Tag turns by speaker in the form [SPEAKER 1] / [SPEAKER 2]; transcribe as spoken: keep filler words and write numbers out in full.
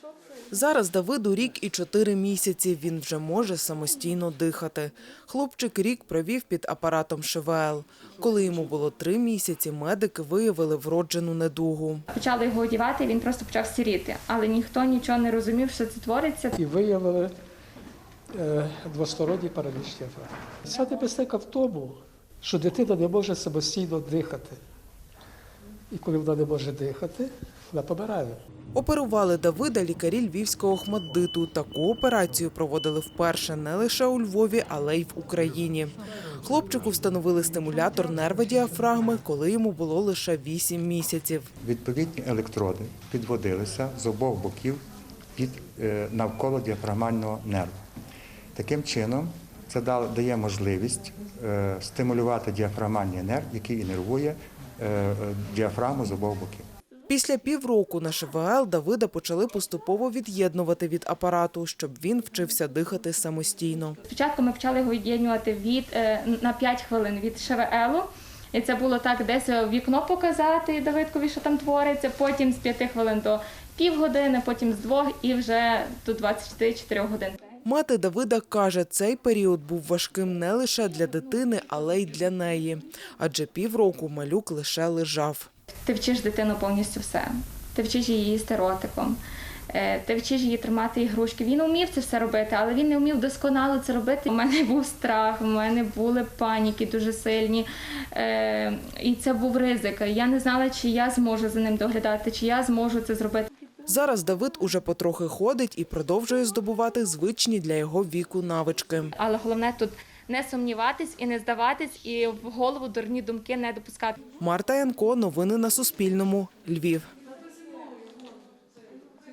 [SPEAKER 1] Зараз Давиду рік і чотири місяці. Він вже може самостійно дихати. Хлопчик рік провів під апаратом ШВЛ. Коли йому було три місяці, медики виявили вроджену недугу.
[SPEAKER 2] Почали його одягати, він просто почав сіріти. Але ніхто нічого не розумів, що це твориться.
[SPEAKER 3] І виявили е, двосторонній параліч діафрагми. Ця небезпека в тому, що дитина не може самостійно дихати. І коли вона не може дихати, вона помирає.
[SPEAKER 1] Оперували Давида лікарі Львівського ОХМАТДИТу. Таку операцію проводили вперше не лише у Львові, але й в Україні. Хлопчику встановили стимулятор нерва діафрагми, коли йому було лише вісім місяців.
[SPEAKER 4] Відповідні електроди підводилися з обох боків під, е, навколо діафрагмального нерву. Таким чином, це дає можливість е, стимулювати діафрагмальний нерв, який інервує е, діафрагму з обох боків.
[SPEAKER 1] Після півроку на ШВЛ Давида почали поступово від'єднувати від апарату, щоб він вчився дихати самостійно.
[SPEAKER 2] Спочатку ми почали його від'єднувати від, на п'ять хвилин від ШВЛу. І це було так, десь в вікно показати Давидкові, що там твориться, потім з п'яти хвилин до півгодини, потім з двох і вже до двадцяти чотирьох годин.
[SPEAKER 1] Мати Давида каже, цей період був важким не лише для дитини, але й для неї. Адже півроку малюк лише лежав.
[SPEAKER 2] Ти вчиш дитину повністю все. Ти вчиш її їсти ротиком. Ти вчиш її тримати ігрушки. Він вмів це все робити, але він не вмів досконало це робити. У мене був страх, у мене були паніки дуже сильні. І це був ризик. Я не знала, чи я зможу за ним доглядати, чи я зможу це зробити.
[SPEAKER 1] Зараз Давид уже потрохи ходить і продовжує здобувати звичні для його віку навички.
[SPEAKER 2] Але головне тут не сумніватись і не здаватись, і в голову дурні думки не допускати.
[SPEAKER 1] Марта Янко, новини на Суспільному, Львів.